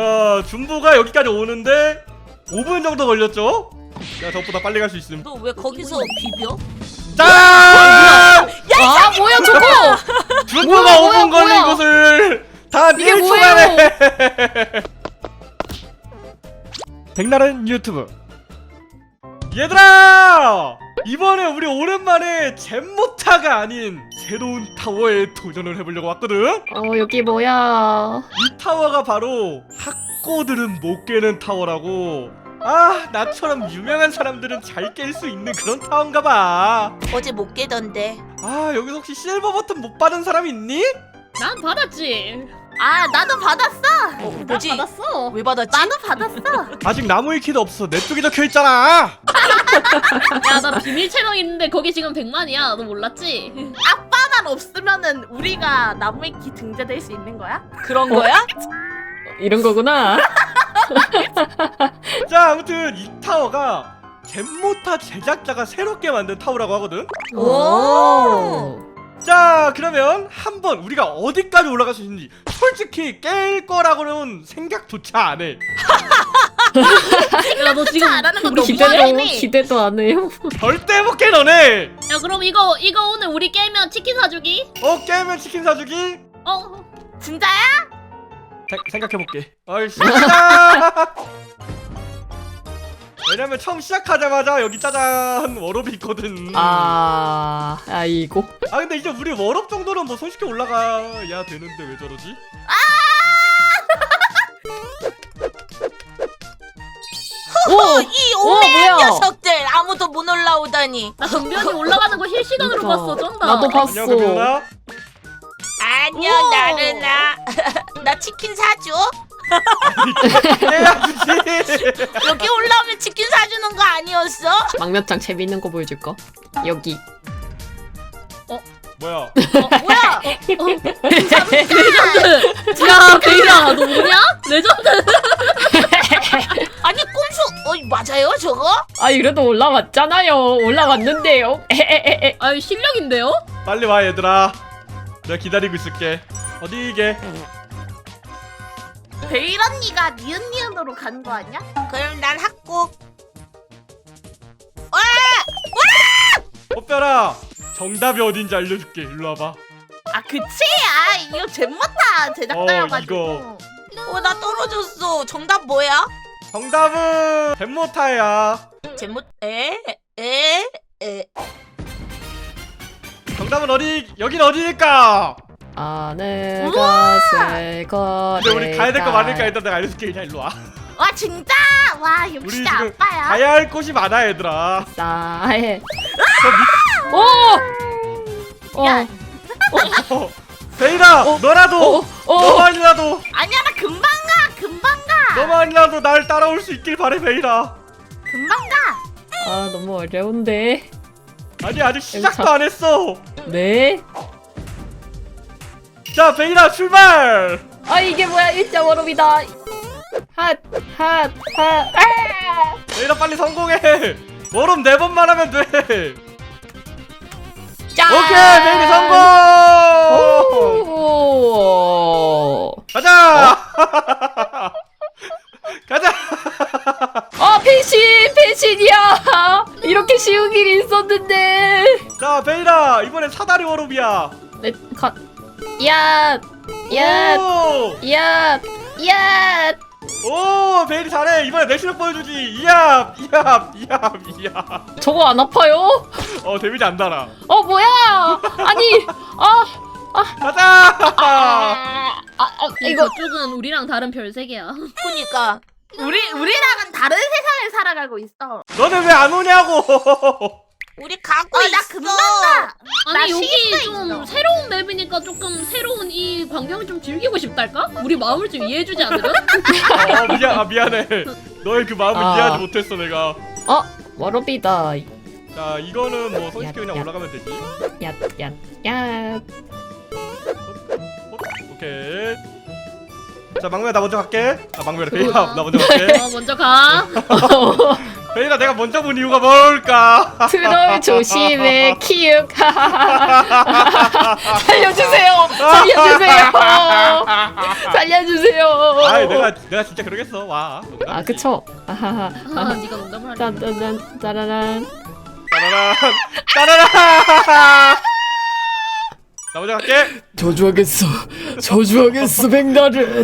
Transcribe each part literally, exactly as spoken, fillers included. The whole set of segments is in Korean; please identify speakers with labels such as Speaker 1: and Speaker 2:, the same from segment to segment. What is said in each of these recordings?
Speaker 1: 자, 준보가 여기까지 오는데 오 분 정도 걸렸죠? 야, 저보다 빨리 갈 수 있음.
Speaker 2: 너 왜 거기서 비벼?
Speaker 1: 짠!
Speaker 3: 아 뭐야 저거?
Speaker 1: 준보가
Speaker 3: 뭐야,
Speaker 1: 오 분
Speaker 3: 뭐야,
Speaker 1: 걸린
Speaker 3: 뭐야?
Speaker 1: 곳을 다
Speaker 3: 이게
Speaker 1: 일 초
Speaker 3: 뭐예요?
Speaker 1: 만에. 백날은 유튜브. 얘들아! 이번에 우리 오랜만에 잼모타가 아닌 새로운 타워에 도전을 해보려고 왔거든?
Speaker 3: 어 여기 뭐야?
Speaker 1: 이 타워가 바로 학고들은 못 깨는 타워라고. 아, 나처럼 유명한 사람들은 잘 깰 수 있는 그런 타워인가봐.
Speaker 2: 어제 못 깨던데.
Speaker 1: 아, 여기서 혹시 실버 버튼 못 받은 사람 있니?
Speaker 4: 난 받았지.
Speaker 2: 아 나도 받았어. 어,
Speaker 4: 난
Speaker 2: 뭐지?
Speaker 4: 받았어.
Speaker 2: 왜 받았지? 나도 받았어.
Speaker 1: 아직 나무의 키도 없어. 내 쪽에 적혀있잖아.
Speaker 4: 야, 나 비밀 채널 있는데 거기 지금 백만이야. 너 몰랐지?
Speaker 5: 아빠만 없으면은 우리가 나무의 키 등재될 수 있는 거야?
Speaker 2: 그런 거야?
Speaker 3: 이런 거구나.
Speaker 1: 자, 아무튼 이 타워가 잼모타 제작자가 새롭게 만든 타워라고 하거든.
Speaker 2: 오.
Speaker 1: 자, 그러면 한번 우리가 어디까지 올라갈 수 있는지 솔직히 깰 거라고는 생각조차 안 해.
Speaker 4: 야, 너 지금
Speaker 5: 안 하는 건
Speaker 4: 우리
Speaker 5: 너무
Speaker 4: 기대도.
Speaker 5: 많네.
Speaker 3: 기대도 기대도 안 해요.
Speaker 1: 절대 못 깨, 너네.
Speaker 4: 야, 그럼 이거 이거 오늘 우리 깨면 치킨 사주기?
Speaker 1: 어, 깨면 치킨 사주기?
Speaker 4: 어.
Speaker 5: 진짜야?
Speaker 1: 생각해볼게. 어이씨. 시작! 왜냐면 처음 시작하자마자 여기 짜잔 워롭이 있거든.
Speaker 3: 아 아이고.
Speaker 1: 아, 근데 이제 우리 워롭 정도는 뭐 손쉽게 올라가야 되는데 왜 저러지?
Speaker 2: 어, 이 오매한
Speaker 3: 뭐야?
Speaker 2: 녀석들 아무도 못 올라오다니.
Speaker 4: 나 정변이 올라가는 거 실시간으로
Speaker 3: 그러니까.
Speaker 4: 봤어. 쩐다.
Speaker 3: 나도 봤어.
Speaker 1: 안녕, 금연아.
Speaker 2: 안녕
Speaker 4: 오.
Speaker 2: 나른아. 나 치킨 사줘.
Speaker 1: 깨야지.
Speaker 2: 여기 올라오면 치킨 사주는 거 아니었어?
Speaker 3: 막몇장 재밌는 거 보여줄까? 여기.
Speaker 1: 뭐야?
Speaker 4: 어, 뭐야? 어, 레전드. 야, 베이라, 너 뭐냐? 레전드.
Speaker 2: 아니 꼼수. 어 맞아요 저거?
Speaker 3: 아 그래도 올라왔잖아요. 올라왔는데요. 에에에에.
Speaker 4: 아유, 실력인데요?
Speaker 1: 빨리 와, 얘들아. 내가 기다리고 있을게. 어디 이게?
Speaker 5: 베일 언니가 니은니은으로 간 거 아니야?
Speaker 2: 그럼 난 학고.
Speaker 1: 꽃별아, 정답이 어딘지 알려줄게. 일로 와봐.
Speaker 5: 아 그치? 아 이거 잼모타 제작자여가지고.
Speaker 1: 어,
Speaker 2: 어 나 떨어졌어. 정답 뭐야?
Speaker 1: 정답은 잼모타야.
Speaker 2: 제목 에에에
Speaker 1: 정답은 어디? 여긴 어디일까?
Speaker 3: 하늘가 새거리가.
Speaker 1: 근데 우리 가야 될 거 많으니까 일단 내가 알려줄게. 그냥 일로 와.
Speaker 5: 와 진짜? 와
Speaker 1: 우리
Speaker 5: 역시
Speaker 1: 지금
Speaker 5: 아빠야.
Speaker 1: 가야 할 곳이 많아, 얘들아.
Speaker 3: 싸해.
Speaker 1: 저
Speaker 3: 오. 어.
Speaker 5: 야.
Speaker 1: 밑... 어, 베이라,
Speaker 3: 어?
Speaker 1: 너라도,
Speaker 3: 어. 어.
Speaker 1: 너만이라도,
Speaker 5: 아니야 나 금방 가 금방 가
Speaker 1: 너만이라도 날 따라올 수 있길 바래, 베이라.
Speaker 5: 금방 가.
Speaker 3: 아 너무 어려운데.
Speaker 1: 아니, 아직 시작도
Speaker 3: 참-
Speaker 1: 안 했어.
Speaker 3: 네.
Speaker 1: 자, 베이라 출발.
Speaker 3: 아 이게 뭐야 일자 워럽이다. 핫핫핫 아!
Speaker 1: 베이라 빨리 성공해. 워럼 네 번만 하면 돼.
Speaker 3: 짠!
Speaker 1: 오케이, 베이비 성공.
Speaker 3: 오!
Speaker 1: 가자. 가자.
Speaker 3: 아 펜신 펜신이야. 이렇게 쉬운 길이 있었는데.
Speaker 1: 자, 베이라, 이번엔 사다리 워롭이야.
Speaker 3: 네, 가. 야, 야,
Speaker 1: 오,
Speaker 3: 야, 야.
Speaker 1: 오, 베이리 잘해. 이번에 내 실력 보여주지. 이압, 이압, 이압, 이압.
Speaker 3: 저거 안 아파요?
Speaker 1: 어, 데미지 안 달아.
Speaker 3: 어 뭐야? 아니, 아,
Speaker 1: 가자.
Speaker 3: 아, 아, 아
Speaker 4: 이거
Speaker 3: 이거
Speaker 4: 쪽은 우리랑 다른 별세계야.
Speaker 2: 그니까
Speaker 5: 우리 우리랑은 다른 세상을 살아가고 있어.
Speaker 1: 너네 왜 안 오냐고.
Speaker 2: 우리 가고
Speaker 5: 어
Speaker 2: 있어.
Speaker 5: 나 금방 가. 나
Speaker 4: 아니, 여기
Speaker 5: 시간도
Speaker 4: 좀
Speaker 5: 있어.
Speaker 4: 새로운 맵이니까 조금 새로운 이 광경을 좀 즐기고 싶달까? 우리 마음을 좀 이해해주지 않으려?
Speaker 1: 어, 미안, 아, 미안해. 너의 그 마음을
Speaker 3: 아.
Speaker 1: 이해하지 못했어, 내가.
Speaker 3: 어 워럽이다.
Speaker 1: 자, 이거는 뭐 손쉽게
Speaker 3: 야,
Speaker 1: 그냥
Speaker 3: 야.
Speaker 1: 올라가면 되지.
Speaker 3: 야, 야, 야.
Speaker 1: 어, 오케이. 자, 막내야, 나 먼저 갈게. 아, 막내래. 베이라, 나 먼저 갈게.
Speaker 4: 어, 먼저 가.
Speaker 1: 베일아 내가 먼저 본 이유가 뭘까?
Speaker 3: 트롤 조심해 키읔. 살려주세요. 살려주세요. 살려주세요.
Speaker 1: 아이 내가 내가 진짜 그러겠어. 와.
Speaker 3: 아 그쵸. 아하하.
Speaker 4: 아, 네가 농담을 하니.
Speaker 3: 짠짠짠 짜라란.
Speaker 1: 따라란 따라란. 나 먼저 갈게.
Speaker 3: 저주하겠어. 저주하겠어 백날은.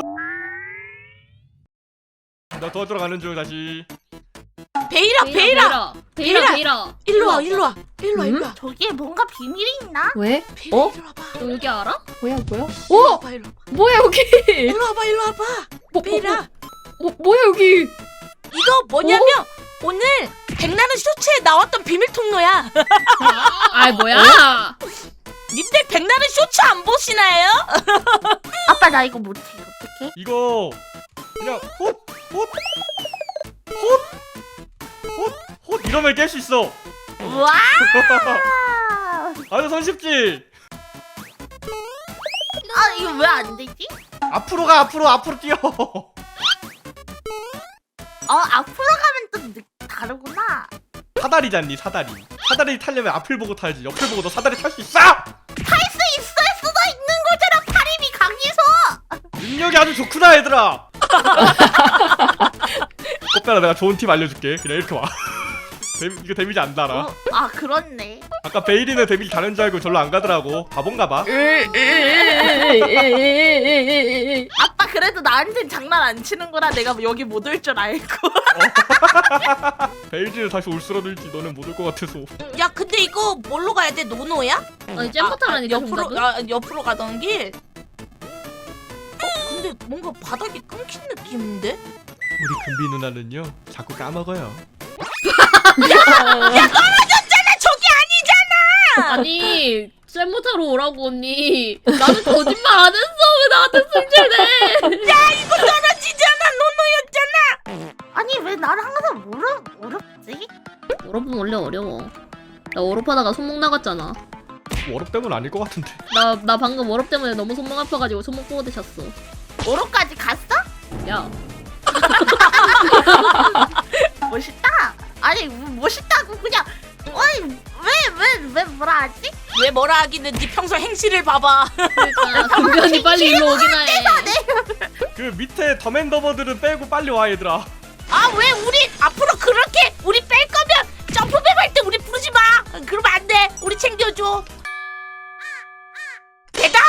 Speaker 1: 나 도와주러 가는 중 다시.
Speaker 2: 베일아 베일아
Speaker 4: 베일아 베일아.
Speaker 2: 일로 와 일로 와 일로 와
Speaker 3: 음?
Speaker 2: 일로 와.
Speaker 5: 저기에 뭔가 비밀이 있나?
Speaker 3: 왜?
Speaker 2: 베일아
Speaker 3: 어?
Speaker 2: 일로 와봐.
Speaker 4: 너 여기 알아?
Speaker 3: 뭐야 뭐야?
Speaker 2: 일로
Speaker 3: 어?
Speaker 2: 와봐 일로 와봐.
Speaker 3: 뭐야 여기?
Speaker 2: 일로 와봐 일로 와봐.
Speaker 3: 뭐,
Speaker 2: 베일아
Speaker 3: 뭐, 뭐야 여기?
Speaker 2: 이거 뭐냐면 오늘 백나는 쇼츠에 나왔던 비밀 통로야.
Speaker 4: 아 뭐야?
Speaker 2: 님들 백나는 쇼츠 안 보시나요?
Speaker 5: 아빠 나 이거 못해. 어떡해?
Speaker 1: 이거 그냥 헛헛헛헛헛 이러면 깰 수 있어.
Speaker 5: 우와!
Speaker 1: 아주 손쉽지.
Speaker 5: 아 이거 왜 안 되지?
Speaker 1: 앞으로 가 앞으로 앞으로 뛰어.
Speaker 5: 어 앞으로 가면 좀 느, 다르구나.
Speaker 1: 사다리잖니 사다리. 사다리 타려면 앞을 보고 타야지. 옆을 보고 너 사다리 탈 수 있어?
Speaker 5: 탈 수 있을 수도 있는 거잖아. 팔힘이 강해서.
Speaker 1: 능력이 아주 좋구나 얘들아. 꽃배라 내가 좋은 팁 알려줄게. 그냥 이렇게 와. 데미, 이거 데미지 안 달아.
Speaker 5: 어, 아 그렇네.
Speaker 1: 아까 베일이는 데미지 다른 줄 알고 절로 안 가더라고. 바본가봐.
Speaker 5: 아빠 그래도 나한텐 장난 안 치는구나. 내가 여기 못 올 줄 알고.
Speaker 1: 베일이는 다시 올 수라도 있지. 너는 못 올 것 같아서.
Speaker 2: 야 근데 이거 뭘로 가야 돼? 노노야?
Speaker 4: 아니 잼버터라니까
Speaker 2: 옆으로
Speaker 4: 정답은?
Speaker 2: 아, 옆으로 가던 길. 어 근데 뭔가 바닥이 끊긴 느낌인데?
Speaker 1: 우리 금비 누나는요 자꾸 까먹어요.
Speaker 2: 떨어졌잖아 저기 아니잖아.
Speaker 4: 아니 잼버터로 오라고 언니. 나는 거짓말 안 했어. 왜 나한테 승질내?
Speaker 2: 야 이거 떨어지잖아 노노였잖아.
Speaker 5: 아니 왜 나는 항상 어렵 어렵지?
Speaker 4: 워럽은 원래 어려워. 나 워럽 하다가 손목 나갔잖아.
Speaker 1: 워럽 때문 아닐 것 같은데.
Speaker 4: 나, 나 방금 워럽 때문에 너무 손목 아파가지고 손목 꼬대 잤어.
Speaker 5: 오로까지 갔어?
Speaker 4: 야,
Speaker 5: 멋있다. 아니 뭐 멋있다고 그냥. 어이 왜왜 왜 뭐라 하지?
Speaker 2: 왜 뭐라 하기는 네 평소 행실을 봐봐.
Speaker 4: 그러니까 금변이 빨리 일로 오기나 해.
Speaker 1: 그 밑에 더맨더버들은 빼고 빨리 와 얘들아.
Speaker 2: 아 왜 우리 앞으로 그렇게 우리 뺄 거면 점프백 할 때 우리 부르지 마. 그러면 안 돼. 우리 챙겨줘. 대답.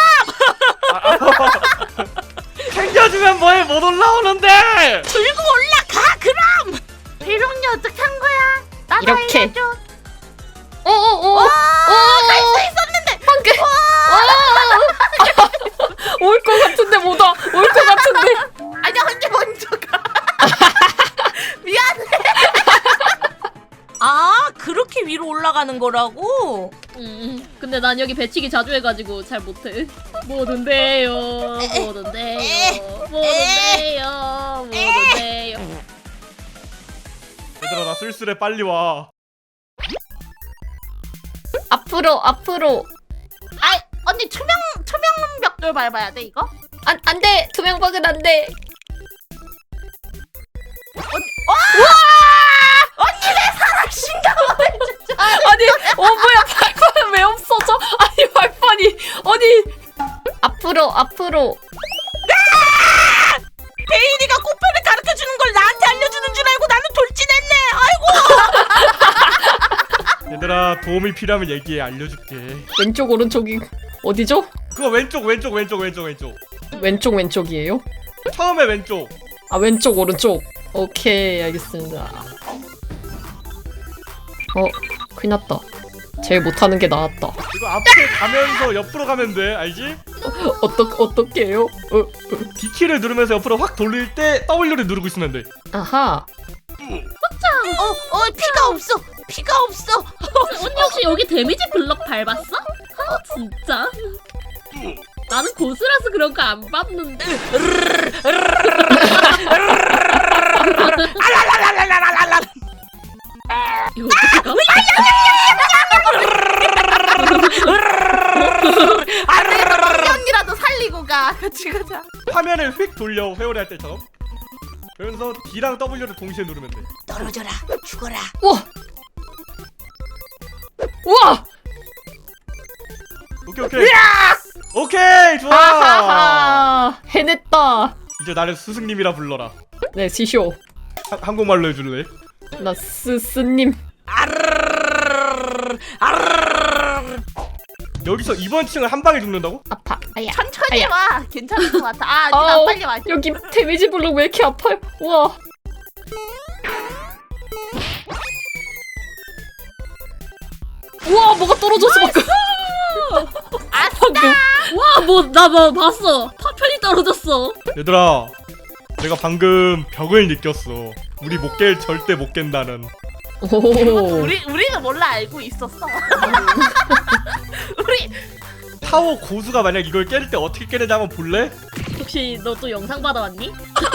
Speaker 1: 챙겨주면 뭐해 못 올라오는데.
Speaker 2: 들고 올라가 그럼.
Speaker 5: 배롱이 어떻게 한 거야? 나도
Speaker 3: 이렇게.
Speaker 5: 알려줘.
Speaker 3: 어어어.
Speaker 5: 갈수 있었는데.
Speaker 3: 방금. 올 것 같은데 못 와. 올 것 같은데.
Speaker 5: 아니 언니 먼저 가. 미안해.
Speaker 2: 아 그렇게 위로 올라가는 거라고?
Speaker 4: 음, 근데 난 여기 배치기 자주 해가지고 잘 못해. 뭐든데요, 뭐든데요, 뭐든데요, 뭐든데요.
Speaker 1: 얘들아 나 쓸쓸해 빨리 와.
Speaker 3: 앞으로 앞으로.
Speaker 5: 아 언니 투명 투명 벽돌 밟아야 돼 이거?
Speaker 3: 안 안돼. 투명박은 안돼. 아니, 어 뭐야 발판은 왜 없어져? 아니 발판이 어디? 앞으로 앞으로.
Speaker 2: 베일이가 꽃배를 가르쳐주는 걸 나한테 알려주는 줄 알고 나는 돌진했네. 아이고.
Speaker 1: 얘들아 도움이 필요하면 얘기해 알려줄게.
Speaker 3: 왼쪽 오른쪽이 어디죠?
Speaker 1: 그거 왼쪽 왼쪽 왼쪽 왼쪽 왼쪽.
Speaker 3: 왼쪽 왼쪽이에요?
Speaker 1: 처음에 왼쪽.
Speaker 3: 아 왼쪽 오른쪽. 오케이 알겠습니다. 어 큰일 났다. 제일 못하는 게 나왔다.
Speaker 1: 이거 앞에 가면서 옆으로 가면 돼 알지?
Speaker 3: 어떡 어떻게 해요? 어,
Speaker 1: D키를 누르면서 옆으로 확 돌릴 때 더블유를 누르고 있으면 돼.
Speaker 3: 아하.
Speaker 2: 어, 어, 피가 없어. 피가 없어.
Speaker 4: 언니 혹시 여기 데미지 블럭 밟았어? 아 진짜? 나는 고수라서 그런 거 안 밟는데.
Speaker 2: 알랄랄랄랄랄랄랄.
Speaker 4: 이거 어떻게 가?
Speaker 5: 언니 언니라도 살리고 가. 같이 가자.
Speaker 1: 화면을 휙 돌려 회오리 할 때처럼. 그러면서 D랑 W를 동시에 누르면 돼.
Speaker 2: 떨어져라 죽어라.
Speaker 3: 우와. 우와.
Speaker 1: 오케이 오케이. 오케이 좋아.
Speaker 3: 하하하. 해냈다.
Speaker 1: 이제 나를 스승님이라 불러라.
Speaker 3: 네, 지쇼.
Speaker 1: 하, 한국말로 해줄래?
Speaker 3: 나 스스님.
Speaker 2: 아르르르르르르, 아르르르르르.
Speaker 1: 여기서 이번 층을 한 방에 죽는다고?
Speaker 3: 아파. 아야.
Speaker 5: 천천히
Speaker 3: 아야.
Speaker 5: 와. 괜찮을 것 같아. 아,
Speaker 3: 아우,
Speaker 5: 니가 빨리 와.
Speaker 3: 여기 데미지 블록 왜 이렇게 아파요? 우와. 우와, 뭐가 떨어졌어 방금. 방금.
Speaker 4: 와, 뭐 나 뭐 봤어. 파편이 떨어졌어.
Speaker 1: 얘들아, 내가 방금 벽을 느꼈어. 우리 못 깰 절대 못 깬다는.
Speaker 3: 오.
Speaker 5: 우리 우리는 몰라 알고 있었어. 우리
Speaker 1: 타워 고수가 만약 이걸 깰 때 어떻게 깨는지 한번 볼래?
Speaker 4: 혹시 너 또 영상 받아왔니?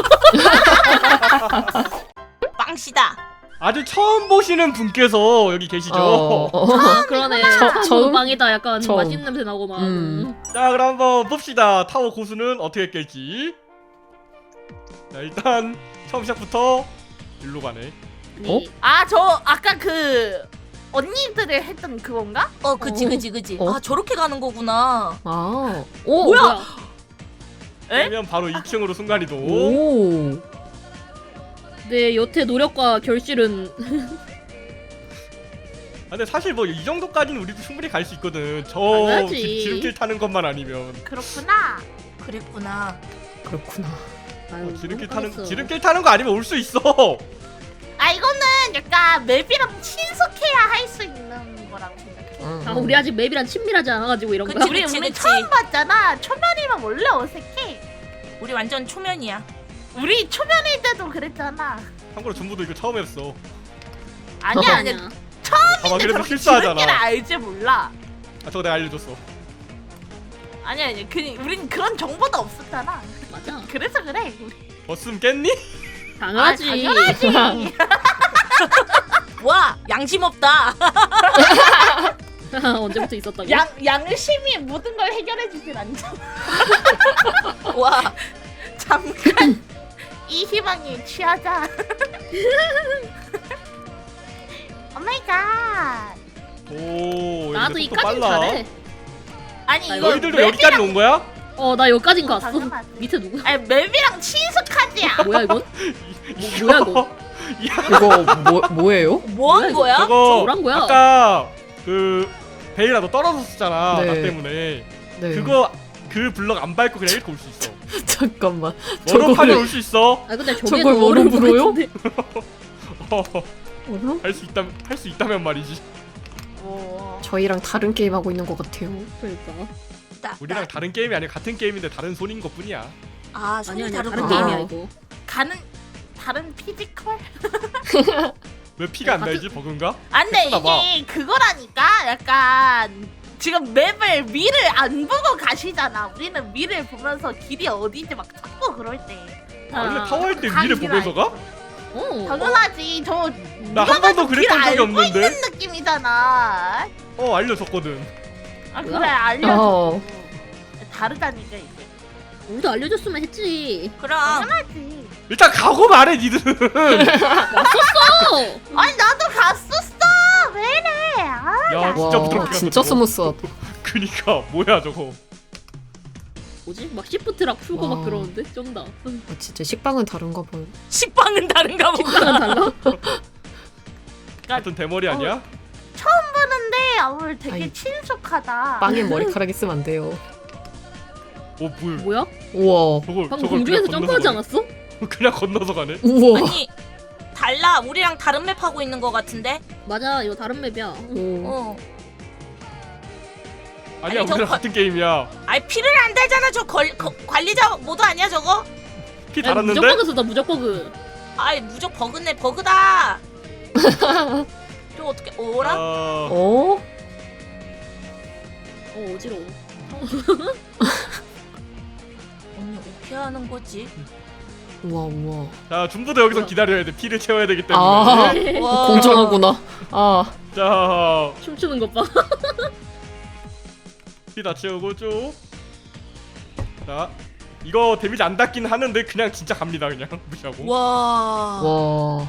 Speaker 2: 빵시다.
Speaker 1: 아주 처음 보시는 분께서 여기 계시죠?
Speaker 3: 어, 어.
Speaker 4: 아, 그러네.
Speaker 3: 처- 처음?
Speaker 4: 방이다. 약간
Speaker 3: 처음.
Speaker 4: 맛있는 냄새 나고 막.
Speaker 3: 음.
Speaker 1: 자, 그럼 한번 봅시다. 타워 고수는 어떻게 깰지. 자, 일단 처음 시작부터 일로 가네.
Speaker 3: 어?
Speaker 5: 아, 저 아까 그 언니들을 했던 그건가?
Speaker 2: 어 그지 그지 그지.
Speaker 3: 어?
Speaker 2: 아 저렇게 가는 거구나.
Speaker 3: 아. 오.
Speaker 4: 뭐야?
Speaker 5: 에?
Speaker 1: 그러면 바로 이 층으로 순간이동.
Speaker 3: 오.
Speaker 4: 내 여태 노력과 결실은
Speaker 1: 아, 근데 사실 뭐 이 정도까지는 우리도 충분히 갈 수 있거든. 저
Speaker 4: 당연하지.
Speaker 1: 지- 지름길 타는 것만 아니면.
Speaker 5: 그렇구나.
Speaker 2: 그랬구나.
Speaker 3: 그렇구나.
Speaker 4: 아유,
Speaker 1: 어, 지름길
Speaker 4: 너무
Speaker 1: 타는
Speaker 4: 까였어.
Speaker 1: 지름길 타는 거 아니면 올 수 있어.
Speaker 5: 아, 이거는 약간 맵이랑 친숙해야 할 수 있는 거라고 생각해.
Speaker 3: 응,
Speaker 4: 아,
Speaker 3: 응.
Speaker 4: 우리 아직 맵이랑 친밀하지 않아가지고 이런 거야.
Speaker 2: 그치,
Speaker 5: 우리
Speaker 2: 그치,
Speaker 5: 우리
Speaker 2: 그치.
Speaker 5: 처음 봤잖아. 초면이면 원래 어색해.
Speaker 2: 우리 완전 초면이야.
Speaker 5: 우리 초면일 때도 그랬잖아.
Speaker 1: 참고로 전부도 이거 처음 했어.
Speaker 5: 아니야, 아니야.
Speaker 4: 아니야.
Speaker 1: 봐봐,
Speaker 5: 근데
Speaker 1: 그래도
Speaker 5: 저렇게
Speaker 1: 실수하잖아.
Speaker 5: 지름길을 알지 몰라.
Speaker 1: 아, 저거 내가 알려줬어.
Speaker 5: 아니야, 아니야. 그 우린 그런 정보도 없었잖아.
Speaker 4: 맞아.
Speaker 5: 그래서 그래. 우리.
Speaker 1: 버스면 깼니?
Speaker 4: 당연하지.
Speaker 5: 아, 당연하지.
Speaker 2: 와 양심 없다.
Speaker 4: 언제부터 있었다고?
Speaker 5: 양 양심이 모든 걸 해결해 주진 않잖아.
Speaker 2: 와
Speaker 5: 잠깐 이 희망에 취하자. 오 마이 갓.
Speaker 1: 오,
Speaker 4: 나도
Speaker 1: 얘네 속도
Speaker 4: 이까진
Speaker 1: 빨라.
Speaker 4: 잘해.
Speaker 5: 아니
Speaker 4: 아,
Speaker 5: 이거
Speaker 1: 너희들도 여기까지 온 거야?
Speaker 4: 어, 나 여기까진 갔어.
Speaker 5: 당연하지.
Speaker 4: 밑에 누구?
Speaker 5: 아니 맵이랑 친숙하지야.
Speaker 4: 뭐야 이건?
Speaker 1: 이-
Speaker 4: 뭐야, 이거?
Speaker 1: 야,
Speaker 3: 이거 뭐 뭐예요?
Speaker 2: 뭐 한 거야?
Speaker 1: 저거
Speaker 4: 뭐란 거야?
Speaker 1: 아까 그 베일아 너 떨어졌었잖아.
Speaker 3: 네.
Speaker 1: 나 때문에.
Speaker 3: 네.
Speaker 1: 그거 그 블럭 안 밟고 그냥 이렇게 올 수 있어.
Speaker 3: 잠깐만.
Speaker 1: 워로파면
Speaker 3: 저거를-
Speaker 1: 올 수 있어.
Speaker 4: 아 근데 저게
Speaker 3: 저걸
Speaker 4: 더
Speaker 3: 뭐로
Speaker 4: 어려운 것
Speaker 3: 불어요?
Speaker 4: 같은데.
Speaker 3: 어라?
Speaker 1: 할 수 있다 할 수 있다면 말이지.
Speaker 5: 오.
Speaker 3: 저희랑 다른 게임 하고 있는 것 같아요.
Speaker 4: 그러니까.
Speaker 2: 나,
Speaker 1: 우리랑
Speaker 2: 나.
Speaker 1: 다른 게임이 아니라 같은 게임인데 다른 손인 것뿐이야.
Speaker 2: 아 손이
Speaker 4: 아니 아니야 다른
Speaker 2: 다르구나.
Speaker 4: 게임이야 이거.
Speaker 5: 가는 다른 피지컬?
Speaker 1: 왜 피가 안
Speaker 4: 같은-
Speaker 1: 날지 버그인가?
Speaker 5: 안돼
Speaker 1: 예쁘다, 봐.
Speaker 5: 이게 그거라니까 약간 지금 맵을 위를 안 보고 가시잖아. 우리는 위를 보면서 길이 어디인지 막 찾고 그럴 때.
Speaker 1: 아, 원래
Speaker 4: 아,
Speaker 1: 타워할 때
Speaker 5: 간
Speaker 1: 위를
Speaker 5: 길
Speaker 1: 보면서 가?
Speaker 4: 어.
Speaker 5: 당연하지. 저
Speaker 1: 나 한 번도 그랬던 적이
Speaker 5: 알고
Speaker 1: 없는데.
Speaker 5: 있는 느낌이잖아.
Speaker 1: 어, 알려줬거든.
Speaker 5: 아
Speaker 4: 뭐야?
Speaker 5: 그래 알려줘.
Speaker 3: 어.
Speaker 5: 다르다니까 이게.
Speaker 4: 우리도 알려줬으면 했지.
Speaker 2: 그럼
Speaker 5: 당연하지.
Speaker 1: 일단 가고 말해 니들은.
Speaker 4: 어.
Speaker 5: 아니 나도 갔었어. 왜 이래? 아,
Speaker 1: 야, 진짜
Speaker 3: 와,
Speaker 1: 부드럽게
Speaker 3: 진짜
Speaker 1: 갔다, 저거.
Speaker 3: 스무스하다.
Speaker 1: 그니까 뭐야 저거.
Speaker 4: 뭐지? 막 시프트락 풀고
Speaker 3: 와.
Speaker 4: 막 그러는데 쩐다.
Speaker 3: 아, 진짜 식빵은 다른가 봐요.
Speaker 2: 식빵은 다른가 보다.
Speaker 4: 식당은 달라.
Speaker 1: 같은 대머리 아니야?
Speaker 5: 처음 보는데 아울 되게
Speaker 3: 아이,
Speaker 5: 친숙하다.
Speaker 3: 빵에 머리카락 있으면 안 돼요.
Speaker 1: 어, 뭘?
Speaker 4: 뭐야?
Speaker 3: 우와.
Speaker 1: 저걸
Speaker 4: 방금
Speaker 1: 저걸
Speaker 4: 공중에서
Speaker 1: 그냥
Speaker 4: 점프하지
Speaker 1: 건너서
Speaker 4: 않았어?
Speaker 1: 가네? 그냥 건너서 가네.
Speaker 3: 우와.
Speaker 2: 아니 달라. 우리랑 다른 맵 하고 있는 거 같은데.
Speaker 4: 맞아 이거 다른 맵이야.
Speaker 3: 오.
Speaker 2: 어.
Speaker 1: 아니야,
Speaker 2: 아니, 저
Speaker 1: 우리랑
Speaker 2: 거-
Speaker 1: 같은 게임이야.
Speaker 2: 아이 피를 안 달잖아. 저 걸, 거, 관리자 모드 아니야 저거?
Speaker 1: 피
Speaker 4: 아니,
Speaker 1: 달았는데?
Speaker 4: 무적 버그다 무적 버그.
Speaker 2: 아이 무적 버그네 버그다. 저 어떻게 오라?
Speaker 1: 어...
Speaker 3: 어?
Speaker 4: 어 어지러워.
Speaker 2: 언니 어떻게 하는 거지?
Speaker 3: 우와 우와.
Speaker 1: 자, 준부도 여기서
Speaker 4: 뭐야?
Speaker 1: 기다려야 돼. 피를 채워야 되기 때문에.
Speaker 3: 아.
Speaker 2: 와.
Speaker 3: 공정하구나. 아.
Speaker 1: 자,
Speaker 4: 춤추는 것 봐.
Speaker 1: 피 다 채우고 쭉. 자, 이거 데미지 안 닿긴 하는데 그냥 진짜 갑니다. 그냥 무시하고.
Speaker 2: 와.
Speaker 3: 와.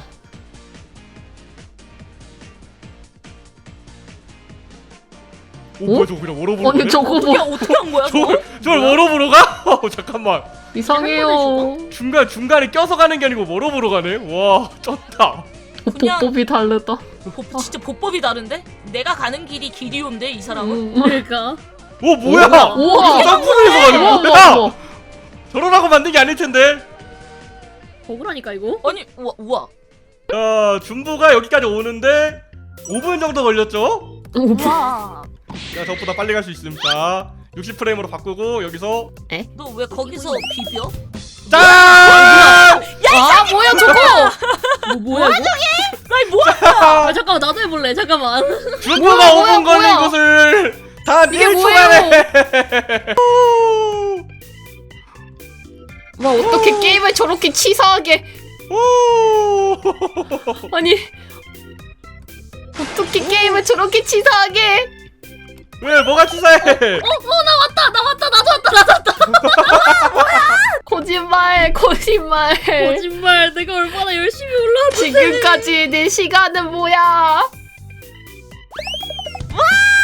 Speaker 1: 오 뭐야 저거 그냥 워러브로
Speaker 3: 아니
Speaker 1: 가네?
Speaker 3: 저거
Speaker 2: 어떻게
Speaker 3: 뭐
Speaker 2: 어떻게 한 거야? 저거?
Speaker 1: 저걸 저걸 워러브로 가? 어, 잠깐만.
Speaker 3: 이상해요.
Speaker 1: 중간 중간에 껴서 가는 게 아니고 워러브로 가네. 와 쩐다.
Speaker 2: 그냥-
Speaker 3: 보법이 다르다.
Speaker 2: 보, 진짜 보법이 다른데? 내가 가는 길이 길이온데 이 사람은?
Speaker 3: 음.
Speaker 4: 그러니까.
Speaker 1: 오 뭐야?
Speaker 3: 우와.
Speaker 1: 점프를 해서 가는
Speaker 3: 우와,
Speaker 1: 거야?
Speaker 3: 우와, 우와.
Speaker 1: 저러라고 만든 게 아닐 텐데.
Speaker 4: 억울하니까 이거.
Speaker 2: 아니 우와 우와.
Speaker 1: 자 준부가 여기까지 오는데 오 분 정도 걸렸죠?
Speaker 2: 우와.
Speaker 1: 자 저보다 빨리 갈 수 있습니다. 육십 프레임으로 바꾸고 여기서
Speaker 2: 너 왜 거기서 비벼?
Speaker 1: 짠!
Speaker 3: 아 뭐야 저거?
Speaker 4: 뭐 뭐야 이거?
Speaker 2: 아니 뭐야?
Speaker 4: 아 잠깐만 나도 해볼래. 잠깐만.
Speaker 1: 준부가
Speaker 3: 뭐야,
Speaker 1: 오 분
Speaker 3: 뭐야,
Speaker 1: 걸린
Speaker 3: 뭐야.
Speaker 1: 곳을 다
Speaker 3: 이게
Speaker 1: 일 초
Speaker 3: 뭐예요?
Speaker 1: 만에.
Speaker 3: 와 어떻게 게임을 저렇게 치사하게?
Speaker 1: 오!
Speaker 3: 아니 어떻게 게임을 저렇게 치사하게?
Speaker 1: 왜 뭐가 치사해?
Speaker 4: 어, 어, 나 왔다, 나 왔다, 나도 왔다, 나도 왔다.
Speaker 3: 거짓말 거짓말.
Speaker 4: 거짓말, 내가 얼마나 열심히 올라왔는데.
Speaker 3: 지금까지 내 시간은 뭐야?
Speaker 2: 와!